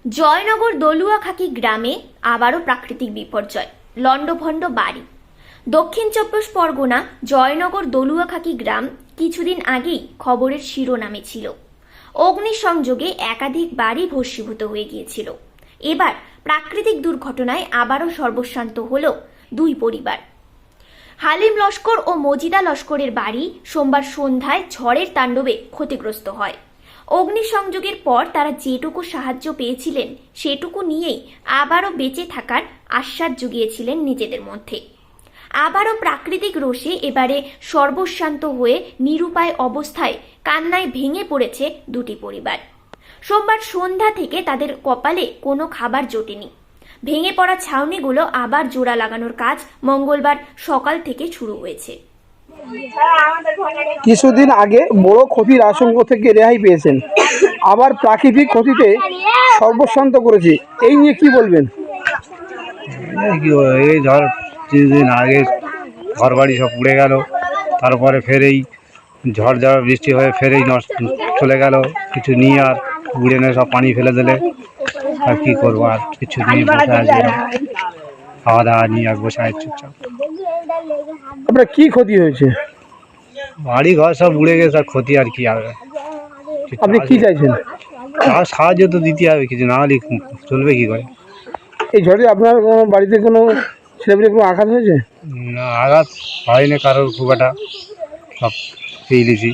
জয়নগর দলুয়াখাকি গ্রামে আবারও প্রাকৃতিক বিপর্যয়, লণ্ডভণ্ড বাড়ি। দক্ষিণ চব্বিশ পরগনা জয়নগর দলুয়াখাকি গ্রাম কিছুদিন আগেই খবরের শিরোনামে ছিল। অগ্নিসংযোগে একাধিক বাড়ি ভস্মীভূত হয়ে গিয়েছিল। এবার প্রাকৃতিক দুর্ঘটনায় আবারও সর্বশান্ত হল দুই পরিবার। হালিম লস্কর ও মজিদা লস্করের বাড়ি সোমবার সন্ধ্যায় ঝড়ের তাণ্ডবে ক্ষতিগ্রস্ত হয়। অগ্নিসংযোগের পর তারা যেটুকু সাহায্য পেয়েছিলেন সেটুকু নিয়েই আবারও বেঁচে থাকার আশ্বাস জুগিয়েছিলেন নিজেদের মধ্যে। আবারও প্রাকৃতিক রোষে এবারে সর্বশান্ত হয়ে নিরুপায় অবস্থায় কান্নায় ভেঙে পড়েছে দুটি পরিবার। সোমবার সন্ধ্যা থেকে তাদের কপালে কোনো খাবার জোটেনি। ভেঙে পড়া ছাউনিগুলো আবার জোড়া লাগানোর কাজ মঙ্গলবার সকাল থেকে শুরু হয়েছে। কিছুদিন আগে বড় ক্ষতির আশঙ্কা থেকে রেহাই পেয়েছেন, আবার প্রাকৃতিক ক্ষতিতে সর্বশান্ত করেছে, এই নিয়ে কি বলবেন? এই ধর কিছুদিন আগে ঘর বাড়ি সব উড়ে গেল, তারপরে ফের এই ঝড় বৃষ্টি হয়ে ফেরেই নষ্ট চলে গেল। কিছু নিয়ে আর উড়ে নিয়ে সব পানি ফেলে দিলে আর কি করবো, আর কিছু নিয়ে বসে আছে, খাওয়া দাওয়া নিয়ে আর বসে আছে চুপচাপ। আপনার কি ক্ষতি হয়েছে? বাড়ি ঘর সব উড়ে গেছে, আর ক্ষতি আর কি হবে। আপনি কি চাইছেন? আর সাহায্য তো দিতে হবে, কিছু না হলে চলবে কি করে। এই ঝড়ে আপনার বাড়িতে কোনো ছেলেমেয়ে কোনো আঘাত হয়েছে? না, আঘাত হয়নি কারোর, খুব একটা সব পেয়ে দিয়েছি।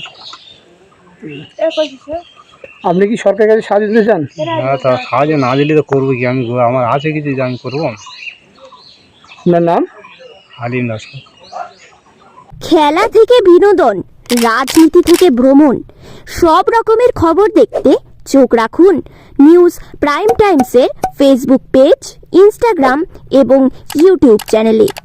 আপনি কি সরকারের কাছে সাহায্য দিতে চান? না, তা সাহায্য না দিলে তো করবো কি, আমি আমার আছে কিছু যে আমি করবো। আপনার নাম? হালিম লস্কর। খেলা থেকে বিনোদন, রাজনীতি থেকে ভ্রমণ, সব রকমের খবর দেখতে চোখ রাখুন নিউজ প্রাইম টাইমসের ফেসবুক পেজ, ইনস্টাগ্রাম এবং ইউটিউব চ্যানেলে।